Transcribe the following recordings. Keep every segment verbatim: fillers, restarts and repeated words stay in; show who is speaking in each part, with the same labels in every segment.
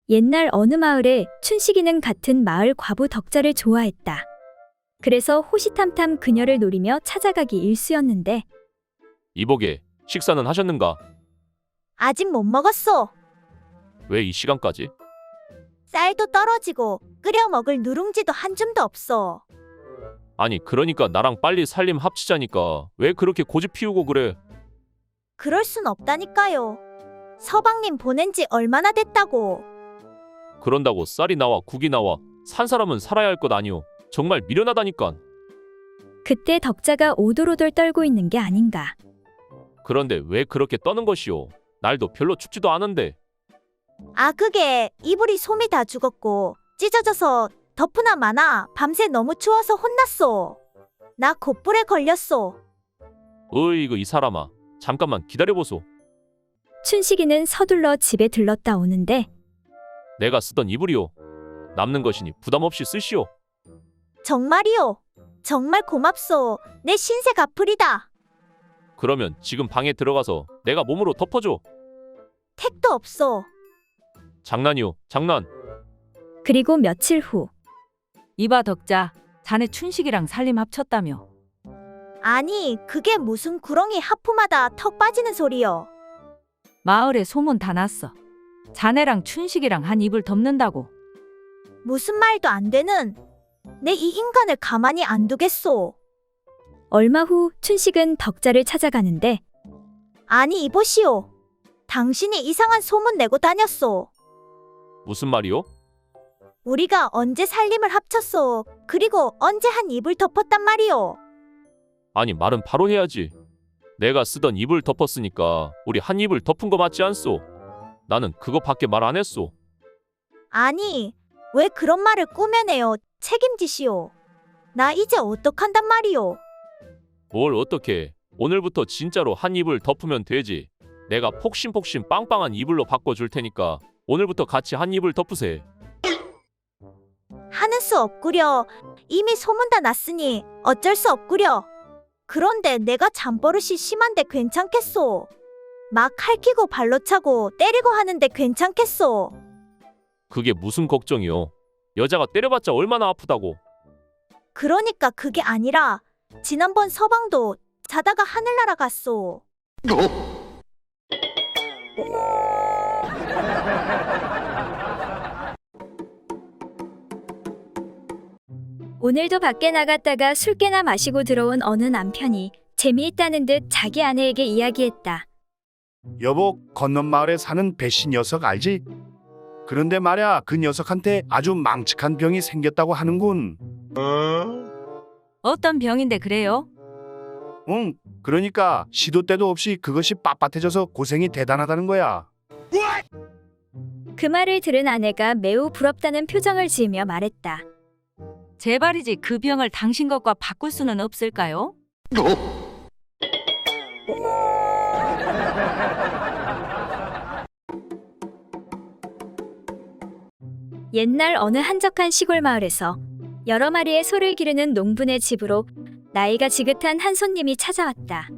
Speaker 1: 옛날 어느 마을에 춘식이는 같은 마을 과부 덕자를 좋아했다. 그래서 호시탐탐 그녀를 노리며 찾아가기 일쑤였는데
Speaker 2: 이보게, 식사는 하셨는가?
Speaker 3: 아직 못 먹었어.
Speaker 2: 왜 이 시간까지?
Speaker 3: 쌀도 떨어지고 끓여 먹을 누룽지도 한 줌도 없어.
Speaker 2: 아니, 그러니까 나랑 빨리 살림 합치자니까 왜 그렇게 고집 피우고 그래?
Speaker 3: 그럴 순 없다니까요. 서방님 보낸 지 얼마나 됐다고.
Speaker 2: 그런다고 쌀이 나와 국이 나와 산 사람은 살아야 할 것 아니오. 정말 미련하다니까.
Speaker 1: 그때 덕자가 오돌오돌 떨고 있는 게 아닌가.
Speaker 2: 그런데 왜 그렇게 떠는 것이오? 날도 별로 춥지도 않은데.
Speaker 3: 아 그게 이불이 솜이 다 죽었고 찢어져서 덮으나 마나 밤새 너무 추워서 혼났어. 나 곧불에 걸렸어.
Speaker 2: 으이그 이 사람아, 잠깐만 기다려보소.
Speaker 1: 춘식이는 서둘러 집에 들렀다 오는데
Speaker 2: 내가 쓰던 이불이오. 남는 것이니 부담 없이 쓰시오.
Speaker 3: 정말이요. 정말 고맙소. 내 신세 갚으리다.
Speaker 2: 그러면 지금 방에 들어가서 내가 몸으로 덮어줘.
Speaker 3: 택도 없어.
Speaker 2: 장난이오, 장난.
Speaker 1: 그리고 며칠 후
Speaker 4: 이봐 덕자, 자네 춘식이랑 살림 합쳤다며.
Speaker 3: 아니 그게 무슨 구렁이 하품하다 턱 빠지는 소리여.
Speaker 4: 마을에 소문 다 났어. 자네랑 춘식이랑 한 이불 덮는다고.
Speaker 3: 무슨 말도 안 되는. 내 이 인간을 가만히 안 두겠소.
Speaker 1: 얼마 후 춘식은 덕자를 찾아가는데
Speaker 3: 아니 이보시오. 당신이 이상한 소문 내고 다녔소.
Speaker 2: 무슨 말이오?
Speaker 3: 우리가 언제 살림을 합쳤소. 그리고 언제 한 이불 덮었단 말이오.
Speaker 2: 아니, 말은 바로 해야지. 내가 쓰던 이불 덮었으니까 우리 한 이불 덮은 거 맞지 않소? 나는 그거밖에 말 안 했소.
Speaker 3: 아니 왜 그런 말을 꾸며내요. 책임지시오. 나 이제 어떡한단 말이오.
Speaker 2: 뭘 어떻게? 오늘부터 진짜로 한 이불 덮으면 되지. 내가 폭신폭신 빵빵한 이불로 바꿔줄 테니까 오늘부터 같이 한 이불 덮으세.
Speaker 3: 하는 수 없구려. 이미 소문 다 났으니 어쩔 수 없구려. 그런데 내가 잠버릇이 심한데 괜찮겠소? 막 할퀴고 발로 차고 때리고 하는데 괜찮겠소?
Speaker 2: 그게 무슨 걱정이요? 여자가 때려봤자 얼마나 아프다고.
Speaker 3: 그러니까 그게 아니라 지난번 서방도 자다가 하늘 날아갔소.
Speaker 1: 오늘도 밖에 나갔다가 술 깨나 마시고 들어온 어느 남편이 재미있다는 듯 자기 아내에게 이야기했다.
Speaker 5: 여보, 건넌 마을에 사는 배씨 녀석 알지? 그런데 말야, 그 녀석한테 아주 망측한 병이 생겼다고 하는군.
Speaker 4: 어떤 병인데 그래요?
Speaker 5: 응, 그러니까 시도 때도 없이 그것이 빳빳해져서 고생이 대단하다는 거야.
Speaker 1: 그 말을 들은 아내가 매우 부럽다는 표정을 지으며 말했다.
Speaker 4: 제발이지 그 병을 당신 것과 바꿀 수는 없을까요?
Speaker 1: 옛날 어느 한적한 시골 마을에서 여러 마리의 소를 기르는 농부네 집으로 나이가 지긋한 한 손님이 찾아왔다.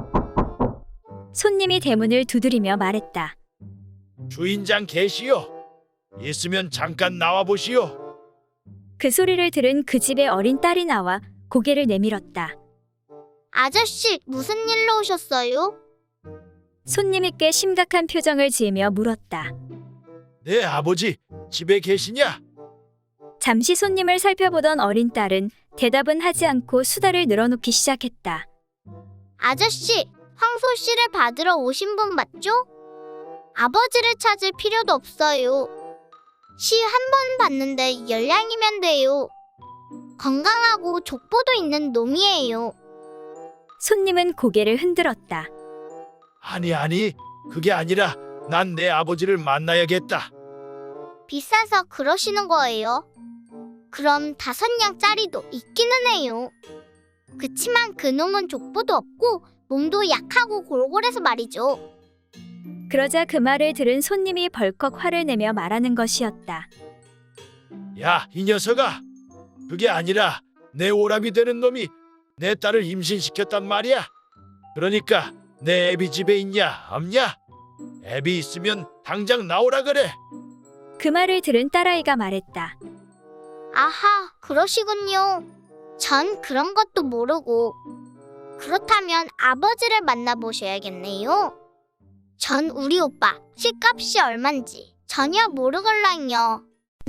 Speaker 1: 손님이 대문을 두드리며 말했다.
Speaker 6: 주인장 계시오. 있으면 잠깐 나와 보시오.
Speaker 1: 그 소리를 들은 그 집의 어린 딸이 나와 고개를 내밀었다.
Speaker 7: 아저씨, 무슨 일로 오셨어요?
Speaker 1: 손님이 꽤 심각한 표정을 지으며 물었다.
Speaker 6: 내 아버지 집에 계시냐?
Speaker 1: 잠시 손님을 살펴보던 어린 딸은 대답은 하지 않고 수다를 늘어놓기 시작했다.
Speaker 7: 아저씨, 황소 씨를 받으러 오신 분 맞죠? 아버지를 찾을 필요도 없어요. 시 한 번 봤는데 열량이면 돼요. 건강하고 족보도 있는 놈이에요.
Speaker 1: 손님은 고개를 흔들었다.
Speaker 6: 아니 아니 그게 아니라 난 내 아버지를 만나야겠다.
Speaker 7: 비싸서 그러시는 거예요. 그럼 다섯 냥짜리도 있기는 해요. 그치만 그놈은 족보도 없고 몸도 약하고 골골해서 말이죠.
Speaker 1: 그러자 그 말을 들은 손님이 벌컥 화를 내며 말하는 것이었다.
Speaker 6: 야, 이 녀석아. 그게 아니라 내 오랍이 되는 놈이 내 딸을 임신시켰단 말이야. 그러니까 내 애비 집에 있냐 없냐? 애비 있으면 당장 나오라 그래.
Speaker 1: 그 말을 들은 딸아이가 말했다.
Speaker 7: 아하, 그러시군요. 전 그런 것도 모르고. 그렇다면 아버지를 만나보셔야겠네요. 전 우리 오빠 식값이 얼만지 전혀 모르걸랑요.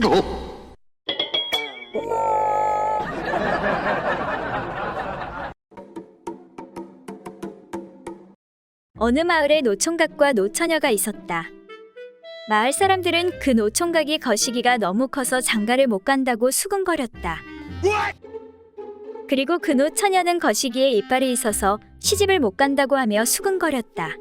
Speaker 1: 어느 마을에 노총각과 노처녀가 있었다. 마을 사람들은 그 노총각이 거시기가 너무 커서 장가를 못 간다고 수군거렸다. 그리고 그 노처녀는 거시기에 이빨이 있어서 시집을 못 간다고 하며 수군거렸다.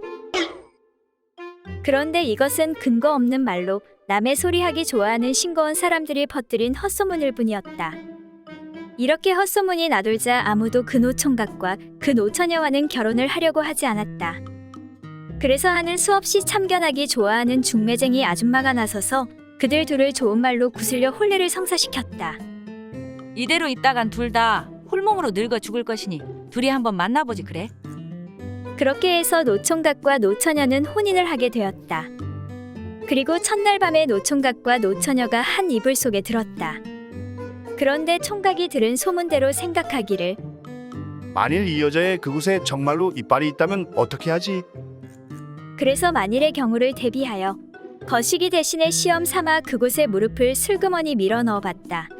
Speaker 1: 그런데 이것은 근거 없는 말로 남의 소리하기 좋아하는 싱거운 사람들이 퍼뜨린 헛소문일 뿐이었다. 이렇게 헛소문이 나돌자 아무도 그 노총각과 그 노처녀와는 결혼을 하려고 하지 않았다. 그래서 하는 수없이 참견하기 좋아하는 중매쟁이 아줌마가 나서서 그들 둘을 좋은 말로 구슬려 혼례를 성사시켰다.
Speaker 4: 이대로 있다간 둘 다 홀몸으로 늙어 죽을 것이니 둘이 한번 만나보지 그래?
Speaker 1: 그렇게 해서 노총각과 노처녀는 혼인을 하게 되었다. 그리고 첫날 밤에 노총각과 노처녀가 한 이불 속에 들었다. 그런데 총각이 들은 소문대로 생각하기를
Speaker 5: 만일 이 여자의 그곳에 정말로 이빨이 있다면 어떻게 하지?
Speaker 1: 그래서 만일의 경우를 대비하여 거시기 대신에 시험 삼아 그곳에 무릎을 슬그머니 밀어 넣어봤다.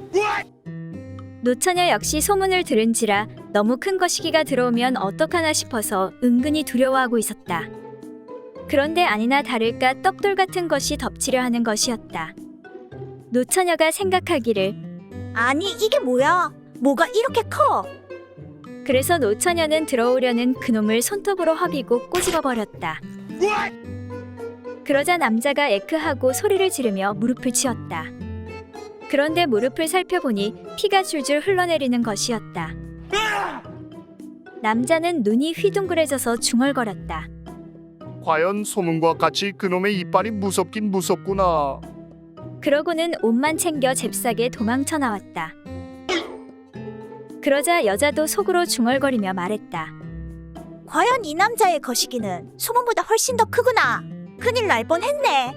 Speaker 1: 노처녀 역시 소문을 들은지라 너무 큰 거시기가 들어오면 어떡하나 싶어서 은근히 두려워하고 있었다. 그런데 아니나 다를까 떡돌 같은 것이 덮치려 하는 것이었다. 노처녀가 생각하기를
Speaker 3: 아니 이게 뭐야? 뭐가 이렇게 커?
Speaker 1: 그래서 노처녀는 들어오려는 그놈을 손톱으로 허비고 꼬집어 버렸다. 그러자 남자가 에크하고 소리를 지르며 무릎을 치었다. 그런데 무릎을 살펴보니 피가 줄줄 흘러내리는 것이었다. 남자는 눈이 휘둥그레져서 중얼거렸다.
Speaker 5: 과연 소문과 같이 그놈의 이빨이 무섭긴 무섭구나.
Speaker 1: 그러고는 옷만 챙겨 잽싸게 도망쳐 나왔다. 그러자 여자도 속으로 중얼거리며 말했다.
Speaker 3: 과연 이 남자의 거시기는 소문보다 훨씬 더 크구나. 큰일 날 뻔했네.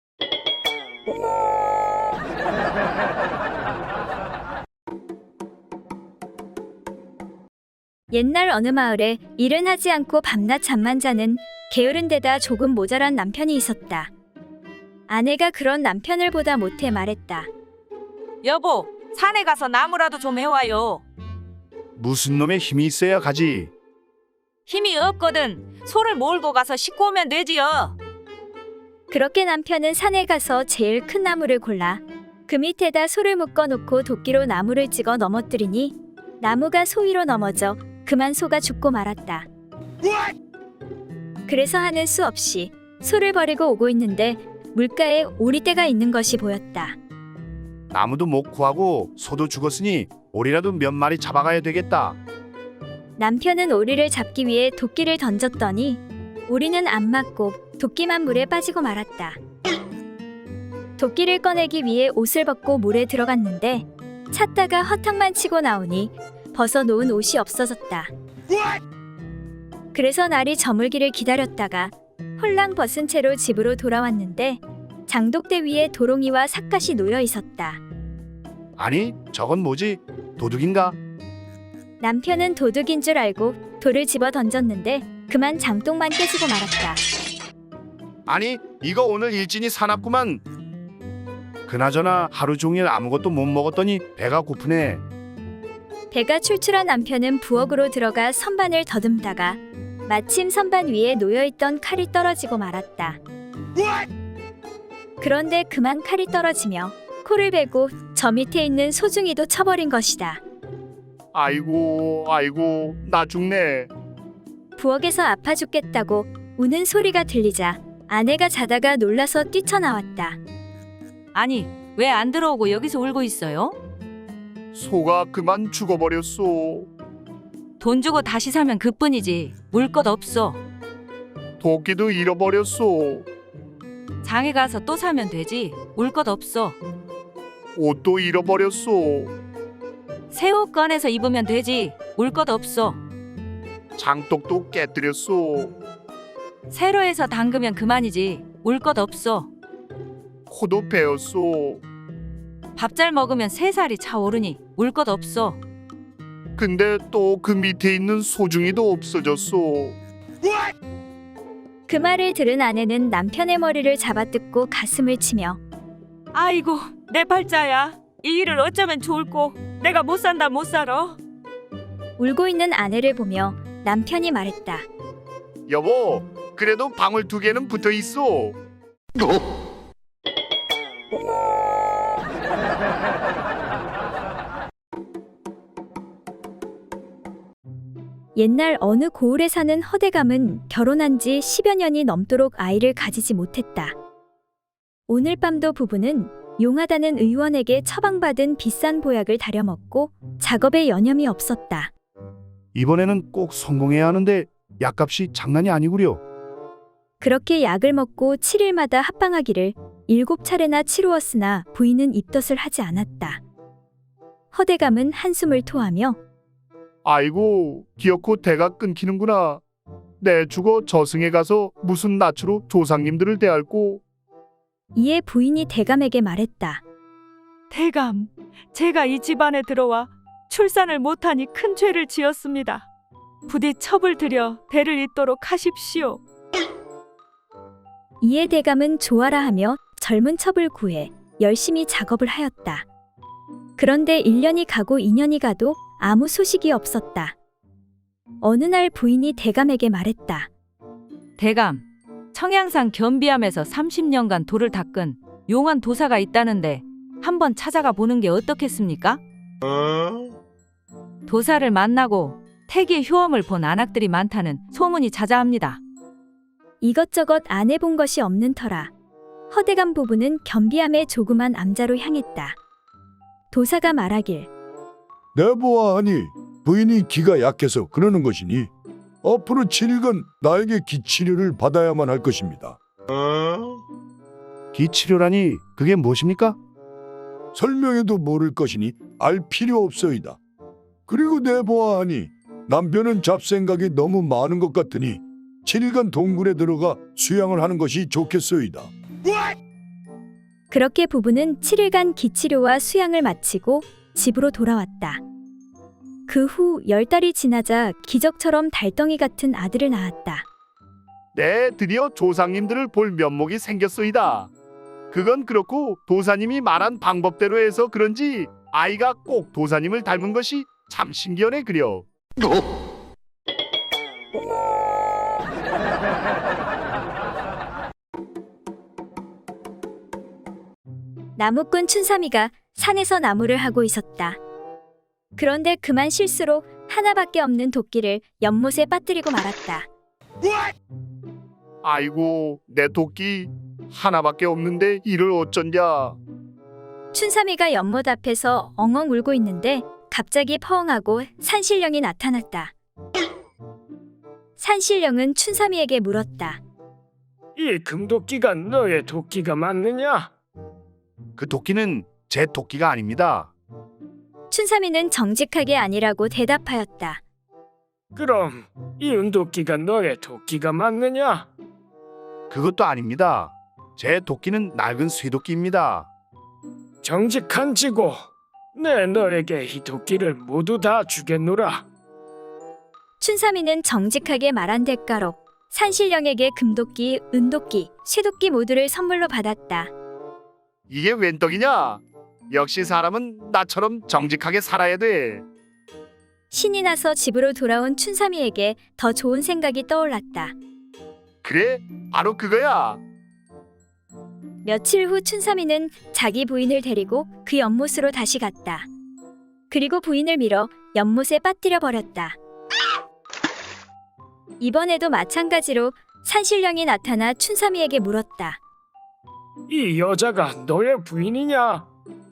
Speaker 1: 옛날 어느 마을에 일은 하지 않고 밤낮 잠만 자는 게으른 데다 조금 모자란 남편이 있었다. 아내가 그런 남편을 보다 못해 말했다.
Speaker 4: 여보, 산에 가서 나무라도 좀 해와요.
Speaker 5: 무슨 놈의 힘이 있어야 가지.
Speaker 4: 힘이 없거든. 소를 몰고 가서 싣고 오면 되지요.
Speaker 1: 그렇게 남편은 산에 가서 제일 큰 나무를 골라 그 밑에다 소를 묶어놓고 도끼로 나무를 찍어 넘어뜨리니 나무가 소 위로 넘어져 그만 소가 죽고 말았다. 그래서 하는 수 없이 소를 버리고 오고 있는데 물가에 오리떼가 있는 것이 보였다.
Speaker 5: 나무도 못 구하고 소도 죽었으니 오리라도 몇 마리 잡아가야 되겠다.
Speaker 1: 남편은 오리를 잡기 위해 도끼를 던졌더니 오리는 안 맞고 도끼만 물에 빠지고 말았다. 도끼를 꺼내기 위해 옷을 벗고 물에 들어갔는데 찾다가 허탕만 치고 나오니 벗어놓은 옷이 없어졌다. 그래서 날이 저물기를 기다렸다가 홀랑 벗은 채로 집으로 돌아왔는데 장독대 위에 도롱이와 삿갓이 놓여 있었다.
Speaker 5: 아니 저건 뭐지? 도둑인가?
Speaker 1: 남편은 도둑인 줄 알고 돌을 집어 던졌는데 그만 장독만 깨지고 말았다.
Speaker 5: 아니 이거 오늘 일진이 사납구만. 그나저나 하루 종일 아무것도 못 먹었더니 배가 고프네.
Speaker 1: 배가 출출한 남편은 부엌으로 들어가 선반을 더듬다가 마침 선반 위에 놓여있던 칼이 떨어지고 말았다. 그런데 그만 칼이 떨어지며 코를 베고 저 밑에 있는 소중이도 쳐버린 것이다.
Speaker 5: 아이고 아이고 나 죽네.
Speaker 1: 부엌에서 아파 죽겠다고 우는 소리가 들리자 아내가 자다가 놀라서 뛰쳐나왔다.
Speaker 4: 아니, 왜 안 들어오고 여기서 울고 있어요?
Speaker 5: 소가 그만 죽어버렸소.
Speaker 4: 돈 주고 다시 사면 그뿐이지. 물 것 없어.
Speaker 5: 도끼도 잃어버렸소.
Speaker 4: 장에 가서 또 사면 되지. 울 것 없어.
Speaker 5: 옷도 잃어버렸소.
Speaker 4: 새 옷 꺼내서 입으면 되지. 울 것 없어.
Speaker 5: 장독도 깨뜨렸소.
Speaker 4: 새로 해서 담그면 그만이지. 울 것 없어.
Speaker 5: 코도 베었소.
Speaker 4: 밥 잘 먹으면 세 살이 차오르니 울 것 없어.
Speaker 5: 근데 또 그 밑에 있는 소중이도 없어졌소.
Speaker 1: 그 말을 들은 아내는 남편의 머리를 잡아뜯고 가슴을 치며
Speaker 4: 아이고 내 팔자야. 이 일을 어쩌면 좋을꼬. 내가 못 산다 못 살아.
Speaker 1: 울고 있는 아내를 보며 남편이 말했다.
Speaker 5: 여보, 그래도 방울 두 개는 붙어 있어.
Speaker 1: 옛날 어느 고을에 사는 허대감은 결혼한 지 십여 년이 넘도록 아이를 가지지 못했다. 오늘 밤도 부부는 용하다는 의원에게 처방받은 비싼 보약을 다려먹고 작업에 여념이 없었다.
Speaker 5: 이번에는 꼭 성공해야 하는데 약값이 장난이 아니구려.
Speaker 1: 그렇게 약을 먹고 칠 일마다 합방하기를 일곱 차례나 치루었으나 부인은 입덧을 하지 않았다. 허대감은 한숨을 토하며
Speaker 5: 아이고, 기어코 대가 끊기는구나. 내 죽어 저승에 가서 무슨 낯으로 조상님들을 대할꼬.
Speaker 1: 이에 부인이 대감에게 말했다.
Speaker 4: 대감, 제가 이 집안에 들어와 출산을 못하니 큰 죄를 지었습니다. 부디 첩을 들여 대를 잇도록 하십시오.
Speaker 1: 이에 대감은 좋아라 하며 젊은 첩을 구해 열심히 작업을 하였다. 그런데 일 년이 가고 이 년이 가도 아무 소식이 없었다. 어느 날 부인이 대감에게 말했다.
Speaker 4: 대감, 청양산 겸비암에서 삼십 년간 돌을 닦은 용한 도사가 있다는데 한번 찾아가 보는 게 어떻겠습니까? 도사를 만나고 태기의 효험을 본 안악들이 많다는 소문이 자자합니다.
Speaker 1: 이것저것 안 해본 것이 없는 터라 허대감 부부는 겸비암의 조그만 암자로 향했다. 도사가 말하길
Speaker 6: 내보아하니 부인이 기가 약해서 그러는 것이니 앞으로 칠 일간 나에게 기치료를 받아야만 할 것입니다.
Speaker 5: 기치료라니 그게 무엇입니까?
Speaker 6: 설명해도 모를 것이니 알 필요 없소이다. 그리고 내보아하니 남편은 잡생각이 너무 많은 것 같으니 칠 일간 동굴에 들어가 수양을 하는 것이 좋겠소이다.
Speaker 1: 그렇게 부부는 칠 일간 기치료와 수양을 마치고 집으로 돌아왔다. 그 후 열 달이 지나자 기적처럼 달덩이 같은 아들을 낳았다.
Speaker 5: 네, 드디어 조상님들을 볼 면목이 생겼소이다. 그건 그렇고 도사님이 말한 방법대로 해서 그런지 아이가 꼭 도사님을 닮은 것이 참 신기하네 그려.
Speaker 1: 나무꾼 춘삼이가 산에서 나무를 하고 있었다. 그런데 그만 실수로 하나밖에 없는 도끼를 연못에 빠뜨리고 말았다.
Speaker 5: 아이고, 내 도끼 하나밖에 없는데 이를 어쩐냐.
Speaker 1: 춘삼이가 연못 앞에서 엉엉 울고 있는데 갑자기 퍼엉하고 산신령이 나타났다. 산신령은 춘삼이에게 물었다.
Speaker 8: 이 금도끼가 너의 도끼가 맞느냐?
Speaker 5: 그 도끼는 제 도끼가 아닙니다.
Speaker 1: 춘삼이는 정직하게 아니라고 대답하였다.
Speaker 8: 그럼 이 은도끼가 너의 도끼가 맞느냐?
Speaker 5: 그것도 아닙니다. 제 도끼는 낡은 쇠도끼입니다.
Speaker 8: 정직한 지고 내 너에게 이 도끼를 모두 다 주겠노라.
Speaker 1: 춘삼이는 정직하게 말한 대가로 산신령에게 금도끼, 은도끼, 쇠도끼 모두를 선물로 받았다.
Speaker 5: 이게 웬 떡이냐? 역시 사람은 나처럼 정직하게 살아야 돼.
Speaker 1: 신이 나서 집으로 돌아온 춘삼이에게 더 좋은 생각이 떠올랐다.
Speaker 5: 그래, 바로 그거야.
Speaker 1: 며칠 후 춘삼이는 자기 부인을 데리고 그 연못으로 다시 갔다. 그리고 부인을 밀어 연못에 빠뜨려 버렸다. 이번에도 마찬가지로 산신령이 나타나 춘삼이에게 물었다.
Speaker 8: 이 여자가 너의 부인이냐?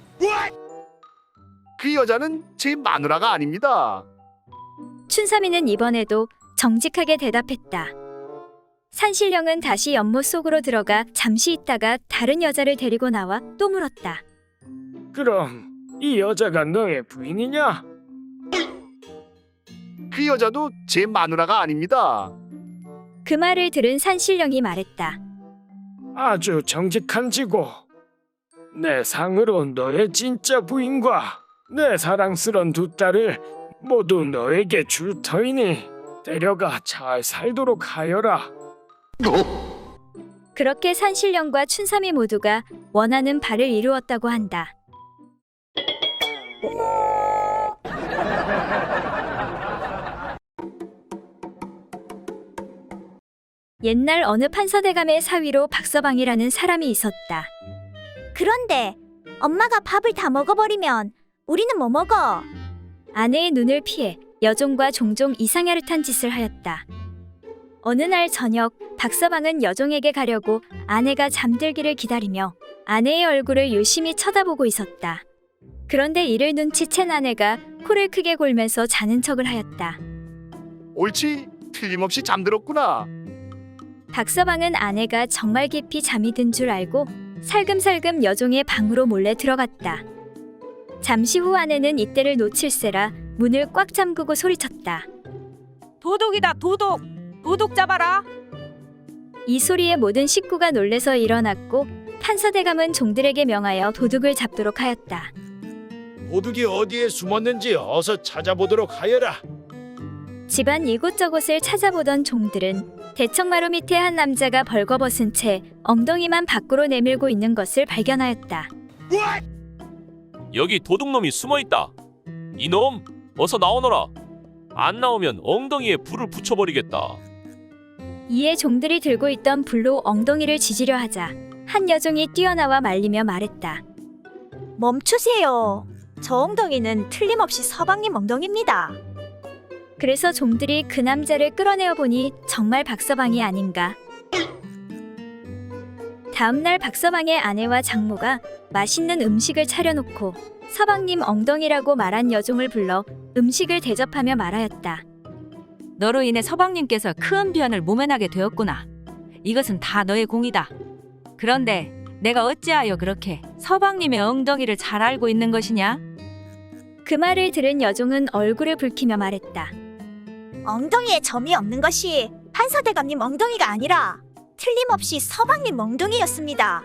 Speaker 5: 그 여자는 제 마누라가 아닙니다.
Speaker 1: 춘삼이는 이번에도 정직하게 대답했다. 산신령은 다시 연못 속으로 들어가 잠시 있다가 다른 여자를 데리고 나와 또 물었다.
Speaker 8: 그럼 이 여자가 너의 부인이냐?
Speaker 5: 그 여자도 제 마누라가 아닙니다.
Speaker 1: 그 말을 들은 산신령이 말했다.
Speaker 8: 아주 정직한 지고 내 상으로 너의 진짜 부인과 내 사랑스런 두 딸을 모두 너에게 줄 터이니 데려가 잘 살도록 하여라.
Speaker 1: 그렇게 산신령과 춘삼이 모두가 원하는 바를 이루었다고 한다. 옛날 어느 판서대감의 사위로 박서방이라는 사람이 있었다.
Speaker 3: 그런데 엄마가 밥을 다 먹어버리면 우리는 뭐 먹어?
Speaker 1: 아내의 눈을 피해 여종과 종종 이상야릇한 짓을 하였다. 어느 날 저녁 박서방은 여종에게 가려고 아내가 잠들기를 기다리며 아내의 얼굴을 유심히 쳐다보고 있었다. 그런데 이를 눈치챈 아내가 코를 크게 골면서 자는 척을 하였다.
Speaker 5: 옳지, 틀림없이 잠들었구나.
Speaker 1: 박서방은 아내가 정말 깊이 잠이 든 줄 알고 살금살금 여종의 방으로 몰래 들어갔다. 잠시 후 아내는 이때를 놓칠세라 문을 꽉 잠그고 소리쳤다.
Speaker 4: 도둑이다 도둑! 도둑 잡아라!
Speaker 1: 이 소리에 모든 식구가 놀래서 일어났고 판서대감은 종들에게 명하여 도둑을 잡도록 하였다.
Speaker 9: 도둑이 어디에 숨었는지 어서 찾아보도록 하여라.
Speaker 1: 집안 이곳저곳을 찾아보던 종들은 대청마루 밑에 한 남자가 벌거벗은 채 엉덩이만 밖으로 내밀고 있는 것을 발견하였다.
Speaker 2: 여기 도둑놈이 숨어있다. 이놈 어서 나오너라. 안 나오면 엉덩이에 불을 붙여버리겠다.
Speaker 1: 이에 종들이 들고 있던 불로 엉덩이를 지지려 하자 한 여종이 뛰어나와 말리며 말했다.
Speaker 3: 멈추세요. 저 엉덩이는 틀림없이 서방님 엉덩이입니다.
Speaker 1: 그래서 종들이 그 남자를 끌어내어 보니 정말 박서방이 아닌가. 다음날 박서방의 아내와 장모가 맛있는 음식을 차려놓고 서방님 엉덩이라고 말한 여종을 불러 음식을 대접하며 말하였다.
Speaker 4: 너로 인해 서방님께서 큰 변을 모면하게 되었구나. 이것은 다 너의 공이다. 그런데 내가 어찌하여 그렇게 서방님의 엉덩이를 잘 알고 있는 것이냐?
Speaker 1: 그 말을 들은 여종은 얼굴을 붉히며 말했다.
Speaker 3: 엉덩이에 점이 없는 것이 판서대감님 엉덩이가 아니라 틀림없이 서방님 엉덩이였습니다.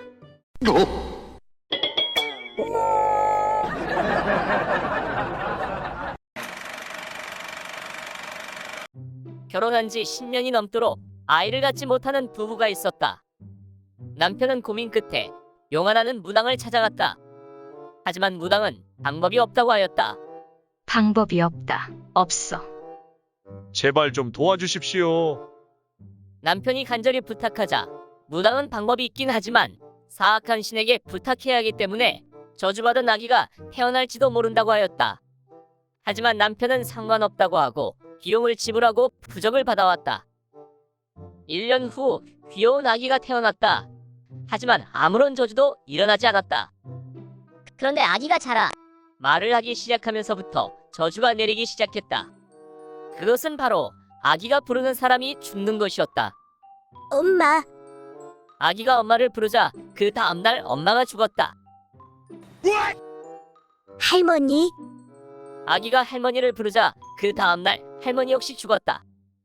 Speaker 10: 결혼한 지 십 년이 넘도록 아이를 갖지 못하는 부부가 있었다. 남편은 고민 끝에 용하나는 무당을 찾아갔다. 하지만 무당은 방법이 없다고 하였다.
Speaker 11: 방법이 없다. 없어.
Speaker 9: 제발 좀 도와주십시오.
Speaker 10: 남편이 간절히 부탁하자 무당은 방법이 있긴 하지만 사악한 신에게 부탁해야 하기 때문에 저주받은 아기가 태어날지도 모른다고 하였다. 하지만 남편은 상관없다고 하고 비용을 지불하고 부적을 받아왔다. 일 년 후 귀여운 아기가 태어났다. 하지만 아무런 저주도 일어나지 않았다.
Speaker 7: 그런데 아기가 자라.
Speaker 10: 말을 하기 시작하면서부터 저주가 내리기 시작했다. 그것은 바로 아기가 부르는 사람이 죽는 것이었다.
Speaker 3: 엄마,
Speaker 10: 아기가 엄마를 부르자 그 다음날 엄마가 죽었다.
Speaker 3: 할머니,
Speaker 10: 아기가 할머니를 부르자 그 다음날 할머니 역시 죽었다.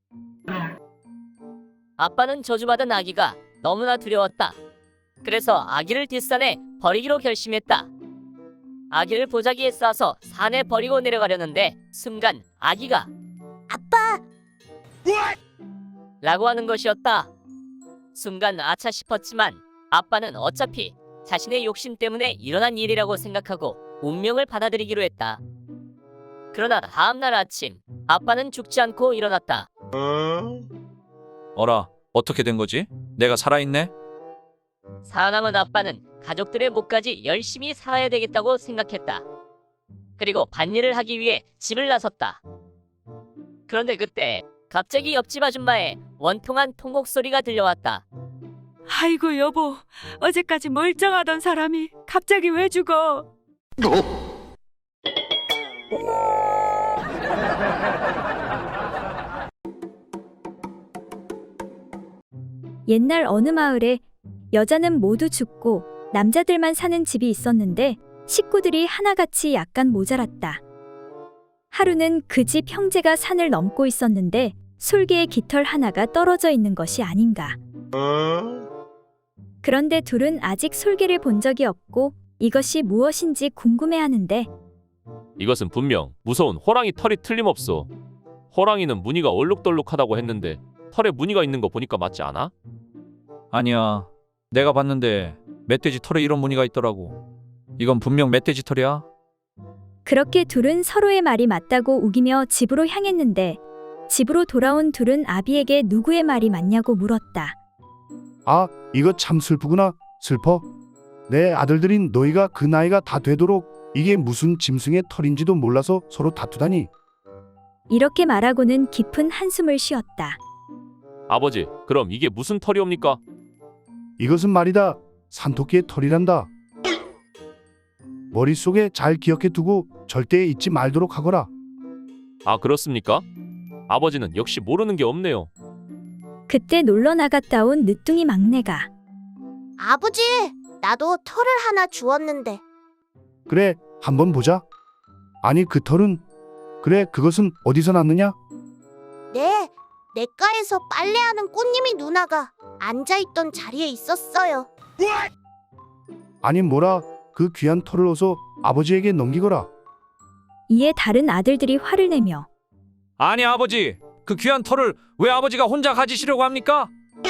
Speaker 10: 아빠는 저주받은 아기가 너무나 두려웠다. 그래서 아기를 뒷산에 버리기로 결심했다. 아기를 보자기에 싸서 산에 버리고 내려가려는데 순간 아기가
Speaker 3: 아빠,
Speaker 10: 라고 하는 것이었다. 순간 아차 싶었지만 아빠는 어차피 자신의 욕심 때문에 일어난 일이라고 생각하고 운명을 받아들이기로 했다. 그러나 다음날 아침 아빠는 죽지 않고 일어났다.
Speaker 12: 어라, 어떻게 된 거지? 내가 살아있네?
Speaker 10: 살아남은 아빠는 가족들의 목까지 열심히 살아야 되겠다고 생각했다. 그리고 밭일을 하기 위해 집을 나섰다. 그런데 그때 갑자기 옆집 아줌마의 원통한 통곡 소리가 들려왔다.
Speaker 4: 아이고 여보, 어제까지 멀쩡하던 사람이 갑자기 왜 죽어?
Speaker 1: 옛날 어느 마을에 여자는 모두 죽고 남자들만 사는 집이 있었는데 식구들이 하나같이 약간 모자랐다. 하루는 그 집 형제가 산을 넘고 있었는데 솔개의 깃털 하나가 떨어져 있는 것이 아닌가. 그런데 둘은 아직 솔개를 본 적이 없고 이것이 무엇인지 궁금해하는데
Speaker 2: 이것은 분명 무서운 호랑이 털이 틀림없어. 호랑이는 무늬가 얼룩덜룩하다고 했는데 털에 무늬가 있는 거 보니까 맞지 않아?
Speaker 12: 아니야. 내가 봤는데 멧돼지 털에 이런 무늬가 있더라고. 이건 분명 멧돼지 털이야.
Speaker 1: 그렇게 둘은 서로의 말이 맞다고 우기며 집으로 향했는데 집으로 돌아온 둘은 아비에게 누구의 말이 맞냐고 물었다.
Speaker 5: 아, 이거 참 슬프구나. 슬퍼. 내 아들들인 너희가 그 나이가 다 되도록 이게 무슨 짐승의 털인지도 몰라서 서로 다투다니.
Speaker 1: 이렇게 말하고는 깊은 한숨을 쉬었다.
Speaker 2: 아버지, 그럼 이게 무슨 털이옵니까?
Speaker 5: 이것은 말이다. 산토끼의 털이란다. 머릿속에 잘 기억해 두고 절대 잊지 말도록 하거라.
Speaker 2: 아, 그렇습니까? 아버지는 역시 모르는 게 없네요.
Speaker 1: 그때 놀러 나갔다 온 늦둥이 막내가
Speaker 3: 아버지, 나도 털을 하나 주웠는데.
Speaker 5: 그래, 한번 보자. 아니, 그 털은? 그래, 그것은 어디서 났느냐?
Speaker 3: 네, 냇가에서 빨래하는 꽃님이 누나가 앉아있던 자리에 있었어요.
Speaker 5: 아니, 뭐라, 그 귀한 털을 어서 아버지에게 넘기거라.
Speaker 1: 이에 다른 아들들이 화를 내며
Speaker 12: 아니 아버지, 그 귀한 털을 왜 아버지가 혼자 가지시려고 합니까?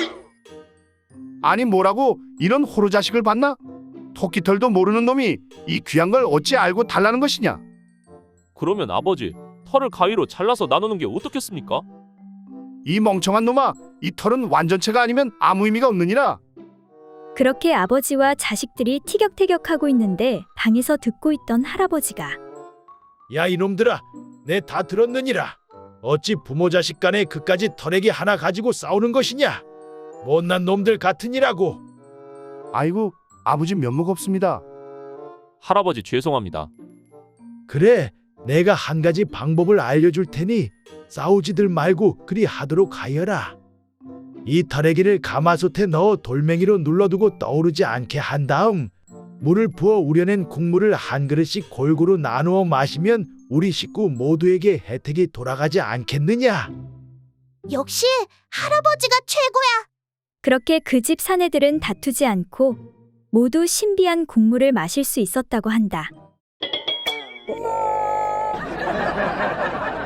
Speaker 5: 아니, 뭐라고 이런 호로 자식을 봤나? 토끼털도 모르는 놈이 이 귀한 걸 어찌 알고 달라는 것이냐?
Speaker 2: 그러면 아버지, 털을 가위로 잘라서 나누는 게 어떻겠습니까?
Speaker 5: 이 멍청한 놈아, 이 털은 완전체가 아니면 아무 의미가 없느니라.
Speaker 1: 그렇게 아버지와 자식들이 티격태격하고 있는데 방에서 듣고 있던 할아버지가
Speaker 9: 야 이놈들아, 내 다 들었느니라. 어찌 부모 자식 간에 그까지 털에기 하나 가지고 싸우는 것이냐? 못난 놈들 같으니라고.
Speaker 5: 아이고, 아버지 면목 없습니다.
Speaker 2: 할아버지 죄송합니다.
Speaker 9: 그래, 내가 한 가지 방법을 알려줄 테니 싸우지들 말고 그리 하도록 하여라. 이 털에기를 가마솥에 넣어 돌멩이로 눌러두고 떠오르지 않게 한 다음 물을 부어 우려낸 국물을 한 그릇씩 골고루 나누어 마시면 우리 식구 모두에게 혜택이 돌아가지 않겠느냐?
Speaker 3: 역시 할아버지가 최고야.
Speaker 1: 그렇게 그 집 사내들은 다투지 않고 모두 신비한 국물을 마실 수 있었다고 한다.